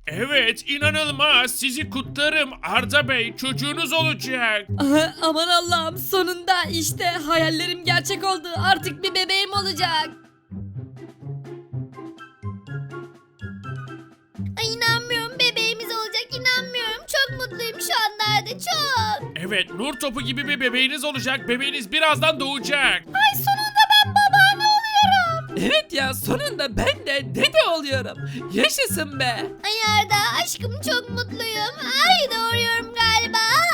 Evet, inanılmaz. Sizi kutlarım Arda Bey. Çocuğunuz olacak. Aha, aman Allah'ım, sonunda işte hayallerim gerçek oldu. Artık bir bebeğim olacak. Ay inanmıyorum, bebeğimiz olacak, inanmıyorum. Çok mutluyum şu anlarda, çok. Evet, nur topu gibi bir bebeğiniz olacak. Bebeğiniz birazdan doğacak. Ay sonunda ben babaanne oluyorum. Evet ya, sonunda ben de dede oluyorum. Yaşasın be. Ay Arda aşkım, çok mutluyum. Ay doğuruyorum galiba.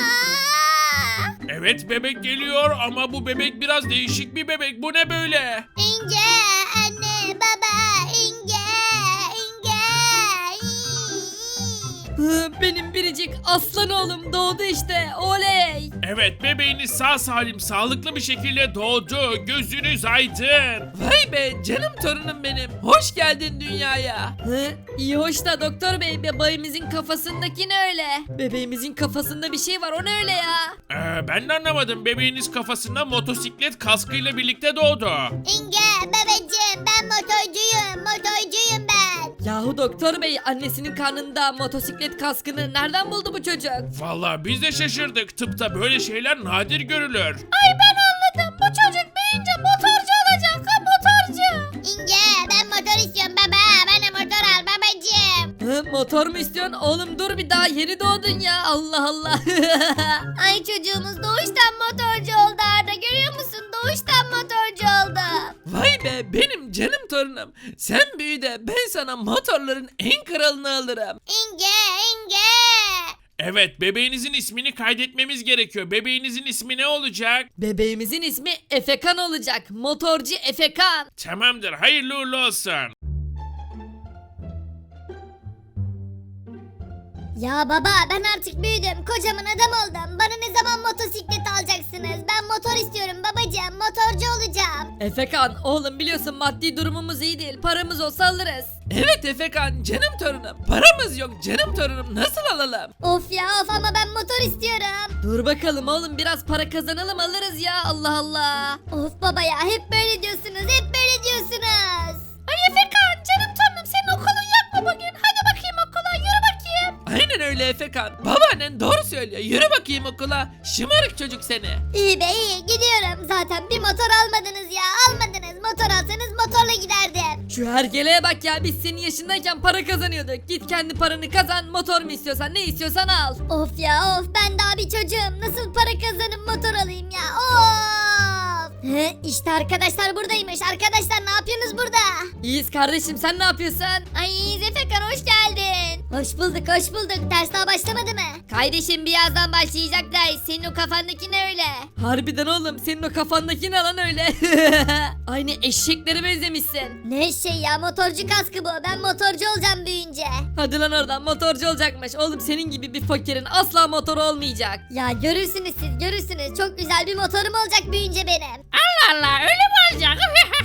Evet, bebek geliyor ama bu bebek biraz değişik bir bebek. Bu ne böyle? İnce anne baba ince. Hı, benim biricik aslan oğlum doğdu işte. Oley. Evet, bebeğiniz sağ salim, sağlıklı bir şekilde doğdu. Gözünüz aydın. Vay be canım torunum benim. Hoş geldin dünyaya. Hı? İyi hoş da doktor bey, bebeğimizin kafasındaki ne öyle? Bebeğimizin kafasında bir şey var, o ne öyle ya? Ben de anlamadım. Bebeğiniz kafasında motosiklet kaskıyla birlikte doğdu. İnce babacığım, ben motorcuyum ben. Yahu doktor bey, annesinin karnında motosiklet kaskını nereden buldu bu çocuk? Vallahi biz de şaşırdık. Tıpta böyle şeyler nadir görülür. Ay ben anladım, bu çocuk büyüyünce motorcu olacak, ha motorcu. İnce ben motor istiyorum baba, bana motor al babacığım. Hı, motor mu istiyorsun? Oğlum dur, bir daha yeni doğdun ya, Allah Allah. Ay çocuğumuz doğuştan motorcu oldu Arda, görüyor musun? Doğuştan motorcu oldu. Vay be benim canım torunum. Sen büyü de ben sana motorların en kralını alırım. İnce. Evet, bebeğinizin ismini kaydetmemiz gerekiyor. Bebeğinizin ismi ne olacak? Bebeğimizin ismi Efekan olacak. Motorcu Efekan. Tamamdır, hayırlı uğurlu olsun. Ya baba ben artık büyüdüm, kocaman adam oldum. Bana ne zaman motosiklet alacaksınız? Ben motor istiyorum babacığım, motorcu olacağım. Efekan oğlum, biliyorsun maddi durumumuz iyi değil. Paramız olsa alırız. Evet Efekan canım torunum. Paramız yok canım torunum, nasıl alalım? Of ya of, ama ben motor istiyorum. Dur bakalım oğlum, biraz para kazanalım alırız ya, Allah Allah. Of baba ya, hep böyle diyorsunuz, hep böyle diyorsunuz. Ay Efekan canım torunum, senin okulun yok mu bugün? Hadi bakayım okula, yürü bakayım. Aynen öyle Efekan. Babaannen doğru söylüyor. Yürü bakayım okula. Şımarık çocuk seni. İyi be iyi, gidiyorum. Zaten bir motor almadınız ya, almadınız. Motor alsanız motorla giderdim. Şu hergeleye bak ya, biz senin yaşındayken para kazanıyorduk. Git kendi paranı kazan, motor mu istiyorsan, ne istiyorsan al. Of ya of, ben daha bir çocuğum. Nasıl para kazanıp motor alayım ya, of. İşte arkadaşlar buradaymış. Arkadaşlar ne yapıyorsunuz burada? İyiyiz kardeşim, sen ne yapıyorsun? Ay Efekan hoş geldin. Hoş bulduk hoş bulduk. Ders daha başlamadı mı? Kardeşim birazdan başlayacak ders. Senin o kafandaki ne öyle? Harbiden oğlum, senin o kafandaki ne lan öyle? Aynı eşeklere benzemişsin. Ne şey ya, motorcu kaskı bu. Ben motorcu olacağım büyüyünce. Hadi lan oradan, motorcu olacakmış. Oğlum senin gibi bir fakirin asla motoru olmayacak. Ya görürsünüz siz, görürsünüz. Çok güzel bir motorum olacak büyüyünce benim. Allah Allah, öyle mi olacak?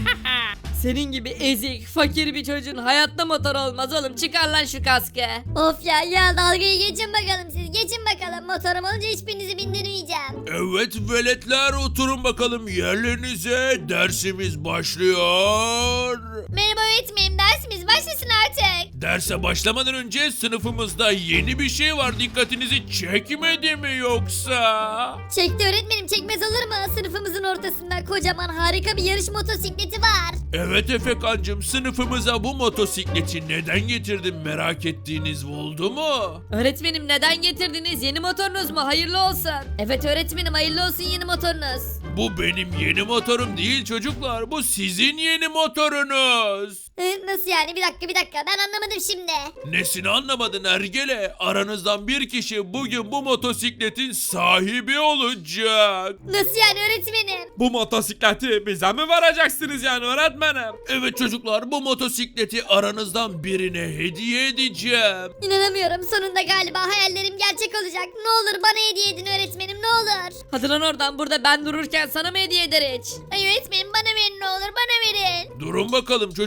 Senin gibi ezik, fakir bir çocuğun hayatta motor olmaz oğlum. Çıkar lan şu kaskı. Of ya dalgayı geçin bakalım siz. Geçin bakalım. Motorum olunca hiçbirinizi bindirmeyeceğim. Evet veletler, oturun bakalım yerlerinize. Dersimiz başlıyor. Merhaba öğretmenim, dersimiz başlasın artık. Derse başlamadan önce sınıfımızda yeni bir şey var. Dikkatinizi çekmedi mi yoksa? Çekti öğretmenim, çekmez olur mu? Sınıfımızın ortasında kocaman harika bir yarış motosikleti var. Evet Efekancım, sınıfımıza bu motosikleti neden getirdin, merak ettiğiniz oldu mu? Öğretmenim neden getirdiniz? Yeni motorunuz mu? Hayırlı olsun. Evet öğretmenim, hayırlı olsun yeni motorunuz. Bu benim yeni motorum değil çocuklar, bu sizin yeni motorunuz. Nasıl yani? Bir dakika ben anlamadım şimdi. Nesini anlamadın Ergele? Aranızdan bir kişi bugün bu motosikletin sahibi olacak. Nasıl yani öğretmenim? Bu motosikleti bize mi varacaksınız yani öğretmenim? Evet çocuklar, bu motosikleti aranızdan birine hediye edeceğim. İnanamıyorum, sonunda galiba hayallerim gerçek olacak. Ne olur bana hediye edin öğretmenim, ne olur. Hadi lan oradan, burada ben dururken sana mı hediye eder hiç? Ay öğretmenim bana verin, ne olur bana verin. Durun bakalım çocuklar,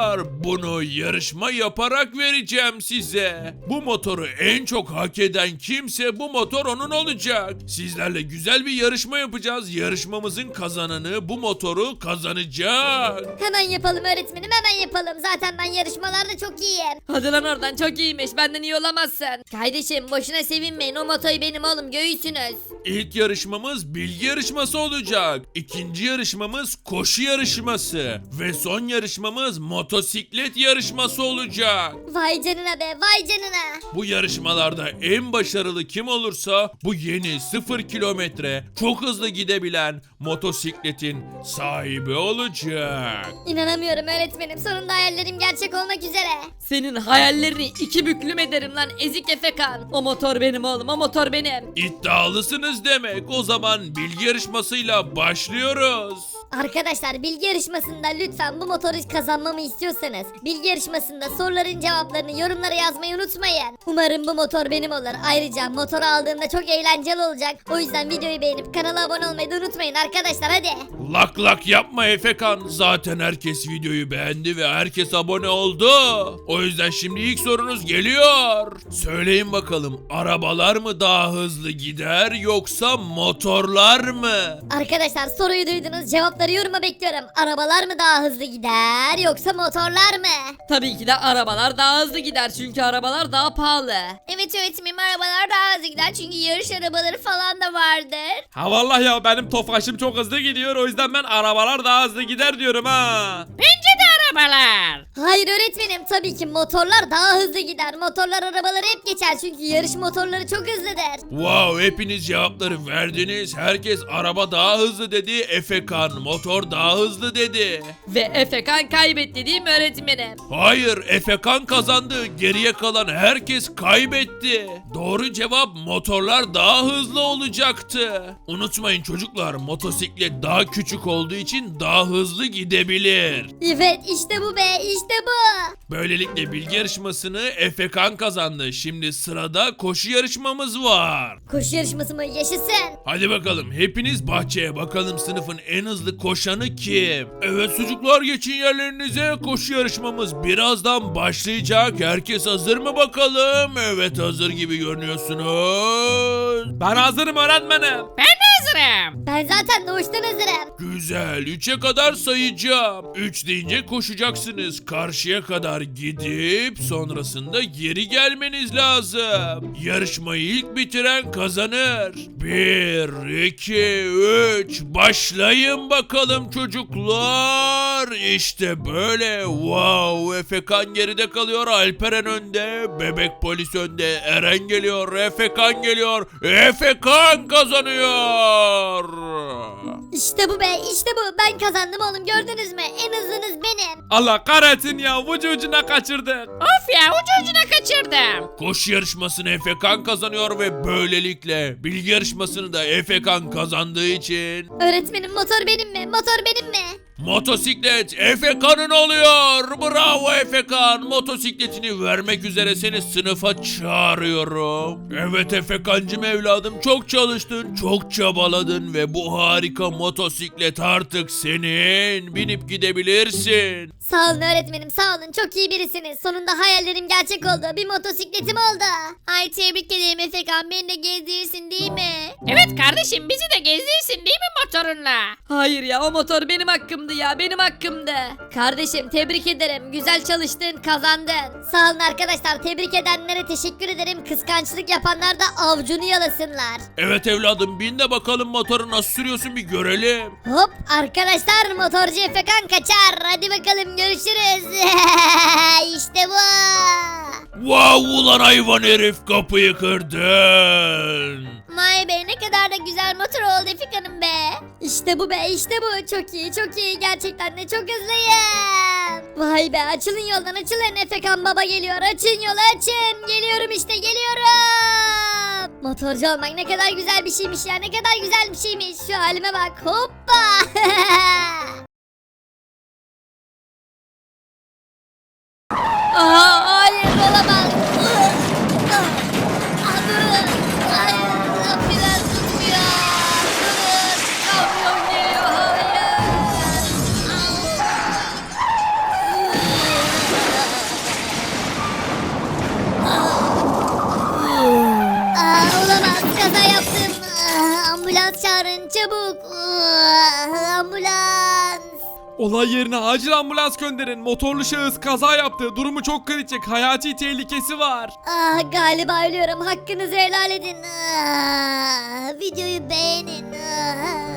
çocuklar, bunu yarışma yaparak vereceğim size. Bu motoru en çok hak eden kimse bu motor onun olacak. Sizlerle güzel bir yarışma yapacağız. Yarışmamızın kazananı bu motoru kazanacak. Hemen yapalım öğretmenim, hemen yapalım. Zaten ben yarışmalarda çok iyiyim. Hadi lan oradan, çok iyiymiş, benden iyi olamazsın. Kardeşim boşuna sevinmeyin, o motoyu benim oğlum göğüsünüz. İlk yarışmamız bilgi yarışması olacak. İkinci yarışmamız koşu yarışması. Ve son yarışmamız motosiklet yarışması olacak. Vay canına be, vay canına. Bu yarışmalarda en başarılı kim olursa bu yeni 0 kilometre çok hızlı gidebilen motosikletin sahibi olacak. İnanamıyorum öğretmenim, sonunda hayallerim gerçek olmak üzere. Senin hayallerini iki büklüm ederim lan ezik Efekan. O motor benim oğlum, o motor benim. İddialısınız demek. O zaman bilgi yarışmasıyla başlıyoruz. Arkadaşlar bilgi yarışmasında lütfen bu motoru kazanmamı istiyorsanız bilgi yarışmasında soruların cevaplarını yorumlara yazmayı unutmayın. Umarım bu motor benim olur. Ayrıca motoru aldığımda çok eğlenceli olacak. O yüzden videoyu beğenip kanala abone olmayı da unutmayın arkadaşlar, hadi. Lak lak yapma Efekan. Zaten herkes videoyu beğendi ve herkes abone oldu. O yüzden şimdi ilk sorunuz geliyor. Söyleyin bakalım, arabalar mı daha hızlı gider yoksa motorlar mı? Arkadaşlar soruyu duydunuz, cevapları yoruma bekliyorum. Arabalar mı daha hızlı gider yoksa motorlar mı? Tabii ki de arabalar daha hızlı gider çünkü arabalar daha pahalı. Evet öğretmenim, arabalar daha hızlı gider çünkü yarış arabaları falan da vardır. Ha vallahi ya, benim tofaşım çok hızlı gidiyor. O yüzden ben arabalar daha hızlı gider diyorum ha. Arabalar. Hayır öğretmenim, tabii ki motorlar daha hızlı gider. Motorlar arabaları hep geçer çünkü yarış motorları çok hızlıdır. Wow, hepiniz cevapları verdiniz. Herkes araba daha hızlı dedi. Efekan motor daha hızlı dedi. Ve Efekan kaybetti değil mi öğretmenim? Hayır, Efekan kazandı. Geriye kalan herkes kaybetti. Doğru cevap motorlar daha hızlı olacaktı. Unutmayın çocuklar, motosiklet daha küçük olduğu için daha hızlı gidebilir. Evet işte bu be, işte bu. Böylelikle bilgi yarışmasını Efekan kazandı. Şimdi sırada koşu yarışmamız var. Koşu yarışması mı? Yaşasın. Hadi bakalım, hepiniz bahçeye, bakalım sınıfın en hızlı koşanı kim? Evet çocuklar, geçin yerlerinize, koşu yarışmamız birazdan başlayacak. Herkes hazır mı bakalım? Evet, hazır gibi görünüyorsunuz. Ben hazırım öğretmenim. Ben zaten doğuştan hazırım. Güzel, 3'e kadar sayacağım. 3 deyince koşacaksınız. Karşıya kadar gidip sonrasında geri gelmeniz lazım. Yarışmayı ilk bitiren kazanır. 1, 2, 3 başlayın bakalım çocuklar. İşte böyle. Wow, Efekan geride kalıyor. Alperen önde. Bebek polis önde. Eren geliyor. Efekan geliyor. Efekan kazanıyor. İşte bu be, işte bu. Ben kazandım oğlum, gördünüz mü? En hızlınız benim. Allah kahretsin ya, ucu ucuna kaçırdık. Of ya, ucu ucuna kaçırdım. Koşu yarışmasını Efekan kazanıyor ve böylelikle bilgi yarışmasını da Efekan kazandığı için Öğretmenim motor benim mi? Motor benim mi? motosiklet Efekan'ın oluyor. Bravo Efekan. Motosikletini vermek üzere seni sınıfa çağırıyorum. Evet Efekancım evladım, çok çalıştın, çok çabaladın ve bu harika motosiklet artık senin. Binip gidebilirsin. Sağ olun öğretmenim, sağ olun. Çok iyi birisiniz. Sonunda hayallerim gerçek oldu. Bir motosikletim oldu. Ay tebrik ederim Efekan. Beni de gezdirirsin değil mi? Evet kardeşim, bizi de gezdirirsin değil mi motorunla? Hayır ya, o motor benim hakkımdı ya, benim hakkımdı. Kardeşim tebrik ederim. Güzel çalıştın, kazandın. Sağ olun arkadaşlar. Tebrik edenlere teşekkür ederim. Kıskançlık yapanlar da avcunu yalasınlar. Evet evladım, bin de bakalım motoru nasıl sürüyorsun, bir görelim. Hop arkadaşlar, motorcu Efekan kaçar. Hadi bakalım görüşürüz. İşte bu. Wow ulan hayvan herif, kapıyı kırdın. Vay be, ne kadar da güzel motor oldu Efekan'ım be. İşte bu be, işte bu. Çok iyi, çok iyi. Gerçekten de çok hızlıyım. Vay be, açılın yoldan, açılın. Efekan baba geliyor. Açın yolu, açın. Geliyorum işte, geliyorum. Motorcu olmak ne kadar güzel bir şeymiş ya. Ne kadar güzel bir şeymiş. Şu halime bak. Hoppa. Aha, hayır olamaz. Durun. Hayır, biraz tutmuyor. Durun. Kamyon geliyor, hayır. Ambulans çağırın çabuk. Ambulans. Olay yerine acil ambulans gönderin. Motorlu şahıs kaza yaptı. Durumu çok kritik. Hayati tehlikesi var. Galiba ölüyorum. Hakkınızı helal edin. Videoyu beğenin.